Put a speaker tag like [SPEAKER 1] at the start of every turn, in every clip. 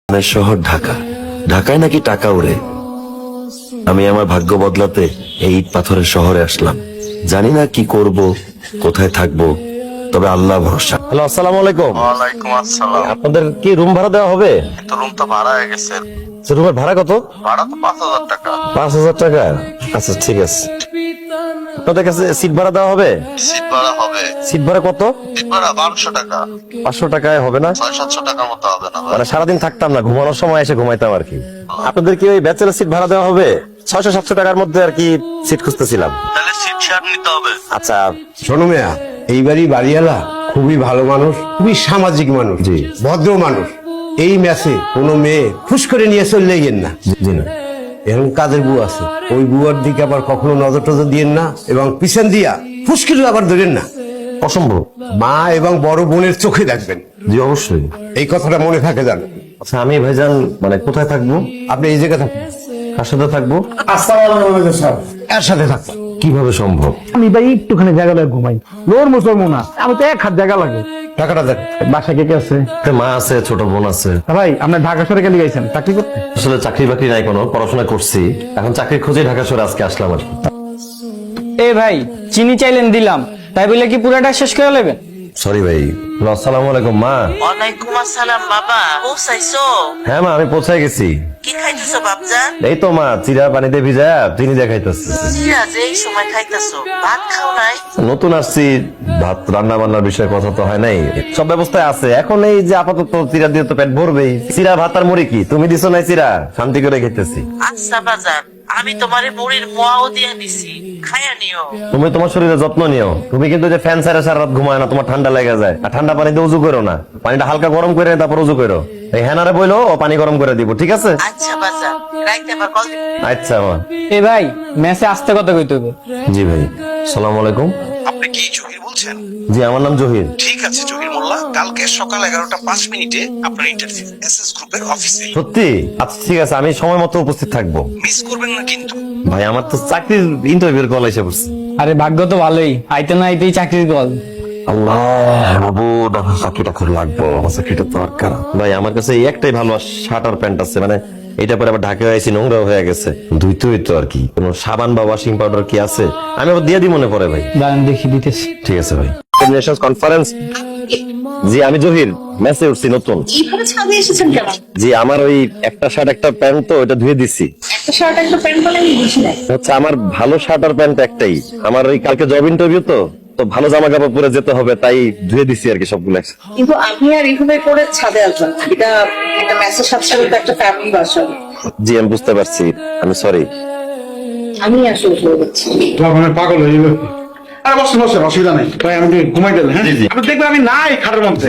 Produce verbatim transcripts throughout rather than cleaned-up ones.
[SPEAKER 1] আমার শহর ঢাকা। ঢাকায় নাকি টাকা উড়ে। আমি আমার ভাগ্য বদলাতে এই ইট পাথরের শহরে আসলাম। জানি না কি করব, কোথায় থাকবো, তবে আল্লাহ ভরসা। হ্যালো, আসসালামু আলাইকুম।
[SPEAKER 2] ওয়ালাইকুম আসসালাম।
[SPEAKER 1] আপনাদের কি রুম ভাড়া দেওয়া হবে?
[SPEAKER 2] তো রুম তো ভাড়া হয়ে গেছে।
[SPEAKER 1] রুমের ভাড়া কত?
[SPEAKER 2] ভাড়া তো পাঁচ হাজার টাকা।
[SPEAKER 1] পাঁচ হাজার টাকা? আচ্ছা ঠিক আছে। আপনাদের কাছে সিট ভাড়া দেওয়া হবে?
[SPEAKER 2] সিট ভাড়া হবে।
[SPEAKER 1] সিট ভাড়া কত?
[SPEAKER 2] সিট ভাড়া বারোশো টাকা।
[SPEAKER 1] পাঁচশো টাকায় হবে না?
[SPEAKER 2] ছয় সাতশো টাকার মতো হবে না ভাই?
[SPEAKER 1] মানে সারাদিন থাকতাম না, ঘুমানোর সময় এসে ঘুমাইতাম আর কি। আপনাদের কি ওই ব্যাচেলার সিট ভাড়া দেওয়া হবে? ছয়শো সাতশো টাকার মধ্যে আর কি সিট খুঁজতেছিলাম।
[SPEAKER 2] তাহলে সিট শেয়ার নিতে হবে।
[SPEAKER 1] আচ্ছা
[SPEAKER 3] শোনো মেয়া, এইবারই বাড়িওয়ালা খুবই ভালো মানুষ, খুবই সামাজিক মানুষ,
[SPEAKER 1] জি।
[SPEAKER 3] ভদ্র মানুষ। এই ম্যাচে কোনো মেয়ে ফুস করে নিয়ে চলে গেন না।
[SPEAKER 1] জি না,
[SPEAKER 3] এরকম কাজের বউ আছে, ওই বুয়ার দিকে আবার কখনো নজর টজর দিয়েন না, এবং পিছন দিয়া ফুসকিল আবার ধরেন না।
[SPEAKER 1] অসম্ভব।
[SPEAKER 3] মা এবং বড় বোনের চোখে দেখবেন,
[SPEAKER 1] জি অবশ্যই।
[SPEAKER 3] এই কথাটা মনে থাকে জান।
[SPEAKER 1] আচ্ছা আমি ভাইজান মানে কোথায় থাকবো?
[SPEAKER 3] আপনি এই জায়গায় থাকবেন,
[SPEAKER 1] কার সাথে থাকবো?
[SPEAKER 3] এর সাথে থাকবেন।
[SPEAKER 1] কিভাবে সম্ভব?
[SPEAKER 4] আমি ভাই একটুখানি জায়গা লাগে ঘুমাই, লোর মুসলমান না, আমি তো এক হাত জায়গা লাগে।
[SPEAKER 3] টাকাটা দেন।
[SPEAKER 4] বাসা কে কে আছে?
[SPEAKER 1] একটা মা আছে, ছোট বোন আছে।
[SPEAKER 4] তা ভাই আপনি ঢাকা শহরে গেলে গেছেন চাকরি করতে?
[SPEAKER 1] আসলে চাকরি বাকরি নাই, কোনো পড়াশোনা করছি, এখন চাকরির খোঁজে ঢাকা শহরে আজকে আসলাম আর কি।
[SPEAKER 5] এ ভাই চিনি চাইলেন দিলাম, তাই বলে কি পুরাটা শেষ করে নেবেন?
[SPEAKER 1] সরি ভাই। আসসালামু আলাইকুম মা।
[SPEAKER 6] ওয়ালাইকুম আসসালাম বাবা, পৌঁছাইছো?
[SPEAKER 1] হ্যাঁ মা, আমি পৌঁছায় গেছি।
[SPEAKER 6] কি খাইতেছো বাপজান?
[SPEAKER 1] এই তো মা, চিরা পানিতে ভিজা চিনি দেখাইতেছি।
[SPEAKER 6] সিরাজ এই সময় খাইতেছো, ভাত খাও নাই?
[SPEAKER 1] নতুন আসছি, ভাত রান্না বান্নার বিষয়ে কথা তো হয় নাই, সব ব্যবস্থায় আছে। এখন এই যে আপাতত চিরা দিয়ে তো পেট ভরবেই। চিরা ভাত আর মুড়ি কি তুমি দিছো নাই? চিরা শান্তি করে খেতেছি।
[SPEAKER 6] আচ্ছা বাজান, আমি তোমারে মুড়ির মোয়াও দিয়া দিছি, খায়া নিও।
[SPEAKER 1] তুমি তোমার শরীরে যত্ন নিও। তুমি কিন্তু যে ফ্যান ছাড়া সারা রাত ঘুমায় না, তোমার ঠান্ডা লেগে যায়। আর ঠান্ডা পানিতে উজু করো না, পানিটা হালকা গরম করে তারপর উজু করো। এই হ্যানারে বইলো ও পানি গরম করে দিব, ঠিক আছে?
[SPEAKER 6] আচ্ছা বাজান, রাইতে আবার কল দিবো।
[SPEAKER 1] আচ্ছা মা।
[SPEAKER 5] এ ভাই মেসে আসতে কথা কইতে হবে।
[SPEAKER 1] জি ভাই, সালাম আলাইকুম।
[SPEAKER 2] আপনি কি জহির বলছেন?
[SPEAKER 1] জি আমার নাম জহির।
[SPEAKER 2] ঠিক আছে জহির মোল্লা, কালকে সকাল এগারোটা পাঁচ মিনিটে আপনার ইন্টারভিউ এস এস গ্রুপের অফিসে।
[SPEAKER 1] সত্যি? আচ্ছা ঠিক আছে, আমি সময় মতো উপস্থিত থাকবো।
[SPEAKER 2] মিস করবেন না কিন্তু।
[SPEAKER 1] ভাই আমার তো চাকরির ইন্টারভিউর কল এসে পড়ছে।
[SPEAKER 5] আরে ভাগ্য তো ভালোই, আইতে না আইতেই চাকরির কল।
[SPEAKER 1] আল্লাহ মাবুদ, আমার চাকরিটা খুব লাগবো, আমার চাকরিটা দরকার। ভাই আমার কাছে এই একটাই ভালো শার্ট আর প্যান্ট আছে, মানে এটা পরে আবার ঢাকা হয়েছি, নোংরা হয়ে গেছে, ধুইতে হইতো আর কি। কোনো সাবান বা ওয়াশিং পাউডার কি আছে? আমি আবার দিয়ে দিই মনে পড়ে ভাই।
[SPEAKER 5] দাঁড়ান দেখি দিতেছি।
[SPEAKER 1] ঠিক আছে ভাই। কনফারেন্স। জি আমি জহির, মেসে উঠছি নতুন।
[SPEAKER 7] এইভাবে ছাদে এসেছেন কেন?
[SPEAKER 1] জি আমার ওই একটা শার্ট একটা প্যান্ট তো ওটা ধুয়ে দিছি।
[SPEAKER 7] একটা শার্ট একটা প্যান্ট বলে আমি বুঝি নাই।
[SPEAKER 1] হচ্ছে আমার ভালো শার্ট আর প্যান্ট একটাই। আমার ওই কালকে জব ইন্টারভিউ তো তো ভালো জামা কাপড় পরে যেতে হবে, তাই ধুয়ে দিছি আর কি সবগুলো।
[SPEAKER 7] কিন্তু আপনি আর এইভাবে করে ছাদে আসবেন না। এটা একটা মেসেজ সাথে সাথে তো একটা ফ্যামিলি বাসা।
[SPEAKER 1] জি আমি বুঝতে পারছি, আমি সরি।
[SPEAKER 7] আমি আসলে বলে দিচ্ছি।
[SPEAKER 4] মানে পাগল হয়ে গেল। আরে বসে বসে অসুবিধা নাই ভাই, আমি একটু ঘুমাই গেলে। হ্যাঁ আপনি দেখবেন আমি নাই খাটের মধ্যে।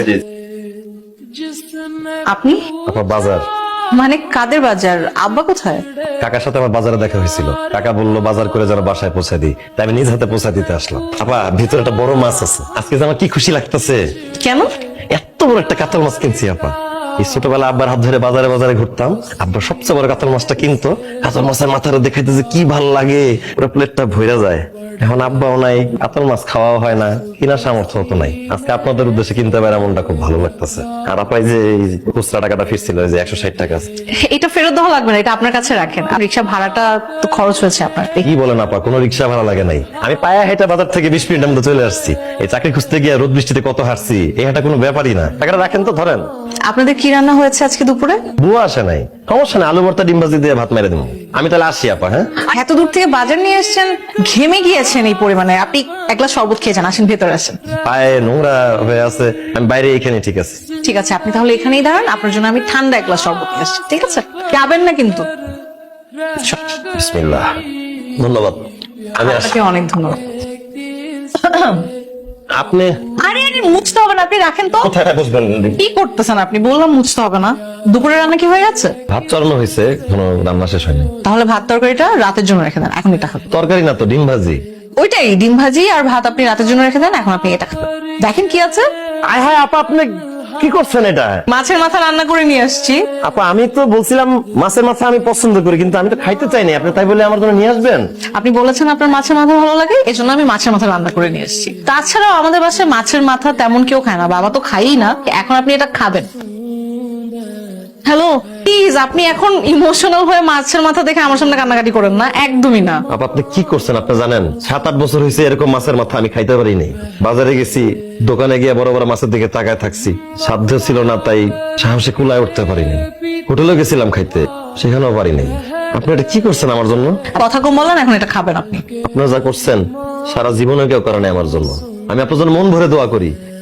[SPEAKER 7] আপনি
[SPEAKER 1] আপনার বাজার,
[SPEAKER 7] মানে কাদের বাজার? আব্বা কোথায়?
[SPEAKER 1] কাকার সাথে আমার বাজারে দেখা হয়েছিল। কাকা বললো বাজার করে যেন বাসায় পৌঁছে দিই, তাই আমি নিজ হাতে পৌঁছে দিতে আসলাম। আপা ভিতরে একটা বড় মাছ আছে, আজকে যে আমার কি খুশি লাগতেছে।
[SPEAKER 7] কেন?
[SPEAKER 1] এত বড় একটা কাতল মাছ কিনছি আপা। এই ছোটবেলা আব্বার হাত ধরে বাজারে বাজারে ঘুরতাম, আব্বা সবচেয়ে বড় কাতল মাছটা কিনতো। কাতল মাছের মাথাটা দেখাইতে যে কি ভাল লাগে, পুরো প্লেটটা ভরে যায়। এখন আব্বাও নাই, কাতল মাছ খাওয়াও হয় না, কিনার সামর্থ্য তো নাই। আজকে আপনাদের উদ্দেশ্যে কিনতে পারে এমনটা খুব ভালো লাগতেছে। আর আপাই যে এই খুচরা টাকাটা ফিরছিল, যে একশো ষাট টাকা।
[SPEAKER 7] এটা ফেরত দেওয়া লাগবে না, এটা আপনার কাছে রাখেন। রিক্সা ভাড়াটা তো খরচ হয়েছে আপনার।
[SPEAKER 1] কি বলেন আপা, কোনো রিক্সা ভাড়া লাগে নাই। আমি পায়া হেঁটে বাজার থেকে বিশ মিনিটের মধ্যে চলে আসছি। এই চাকরি খুঁজতে গিয়ে রোদ বৃষ্টিতে কত হারছি, এই হাঁটা কোনো ব্যাপারই না। টাকাটা রাখেন তো, ধরেন।
[SPEAKER 7] আপনাদের কি রান্না হয়েছে আজকে দুপুরে?
[SPEAKER 1] বুয়া আসে নাই, সমস্যা নেই, আলু ভর্তা ডিম ভাজি দিয়ে ভাত মেরে দেবো। আমি তাহলে আসি আপা। হ্যাঁ
[SPEAKER 7] এত দূর থেকে বাজার নিয়ে এসেছেন, ঘেমে গিয়েছেন এই পরিমাণে। আপনি এক গ্লাস শরবত খেয়ে যান, আসেন ভেতরে আসেন।
[SPEAKER 1] পায়ে নোংরা হয়ে আছে, আমি বাইরে এখানে। ঠিক আছে
[SPEAKER 7] ঠিক আছে, আপনি তাহলে এখানেই দাঁড়ান, আপনার জন্য আমি ঠান্ডা এক গ্লাস শরবত নিয়ে আসছি। ঠিক আছে, যাবেন না কিন্তু।
[SPEAKER 1] বিসমিল্লাহ। ধন্যবাদ, আমি আসি।
[SPEAKER 7] আপনাকে অনেক ধন্যবাদ।
[SPEAKER 1] আপনি
[SPEAKER 7] আরে আরে মুছতে হবে না, আপনি রাখেন তো।
[SPEAKER 1] কোথায় বসবেন?
[SPEAKER 7] কি করতেছেন আপনি? বললাম মুছতে হবে না। দুপুরে রান্না কি হয়ে গেছে?
[SPEAKER 1] ভাত চড়ানো হয়েছে, কোনো রান্না শেষ হয়নি।
[SPEAKER 7] তাহলে ভাত তরকারিটা রাতের জন্য রেখে দেন, এখন এটা খাবেন।
[SPEAKER 1] তরকারি না তো, ডিম ভাজি।
[SPEAKER 7] ওইটাই, ডিম ভাজি আর ভাত আপনি রাতের জন্য রেখে দেন, এখন আপনি এটা খাবেন। দেখেন কি আছে।
[SPEAKER 1] আয় হায় আপা, আপনি কি করছেন এটা?
[SPEAKER 7] মাছের মাথা রান্না করে নিয়ে আসছি।
[SPEAKER 1] আপা আমি তো বলছিলাম মাছের মাথা আমি পছন্দ করি, কিন্তু আমি তো খাইতে চাইনি, আপনি তাই বলে আমার জন্য নিয়ে আসবেন?
[SPEAKER 7] আপনি বলেছেন আপনার মাছের মাথা ভালো লাগে, এজন্য আমি মাছের মাথা রান্না করে নিয়ে এসেছি। তাছাড়াও আমাদের বাসায় মাছের মাথা তেমন কেউ খায় না, বাবা তো খাইই না। এখন আপনি এটা খাবেন। হ্যালো প্লিজ, আপনি এখন ইমোশনাল হয়ে মাছের মাথা দেখে আমার সামনে কান্নাকাটি করেন না, একদমই না।
[SPEAKER 1] আপা আপনি কি করছেন আপনি জানেন? সাত আট বছর হয়েছে এরকম মাছের মাথা আমি খাইতে পারিনি। বাজারে গেছি, দোকানে গিয়ে বড় বড় মাছের দিকে তাকায় থাকছি, সাধ্য ছিল না তাই সাহসে কুলায় উঠতে পারিনি। হোটেলে গেছিলাম খাইতে, সেখানেও পারিনি। আপনি এটা কি করছেন আমার জন্য?
[SPEAKER 7] কথা কম বলেন, এখন এটা খাবেন আপনি।
[SPEAKER 1] আপনারা যা করছেন সারা জীবনে কেউ করে নাই আমার জন্য। আমি আপনার জন্য মন ভরে দোয়া করি,